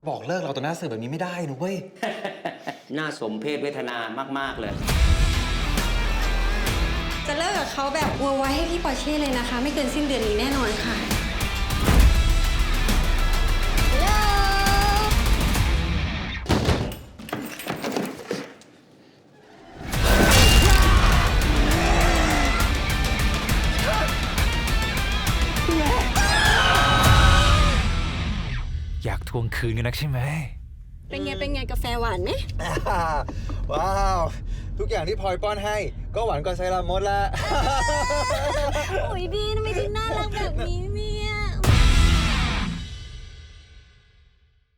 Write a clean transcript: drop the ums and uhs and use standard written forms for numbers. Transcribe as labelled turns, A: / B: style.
A: บอกเลิกเราต่อหน้าสื่อแบบนี้ไม่ได้นะเว้ย
B: น่าสมเพชเวทนามากๆเลย
C: จะเลิกกับเขาแบบวัวไว้ให้พี่ปอร์เช่เลยนะคะ ไม่เกินสิ้นเดือนนี้แน่นอนค่ะ
D: อยากทวงคืนกันนักใช่ไหม
C: เป็นไงกาแฟหวานไหม
E: ว้าว ทุกอย่างที่พลอยป้อนให้ก็หวานกว่าไซรามดละ
C: โอ้ยดีทำไมถึงน่ารักแบบนี้เนี่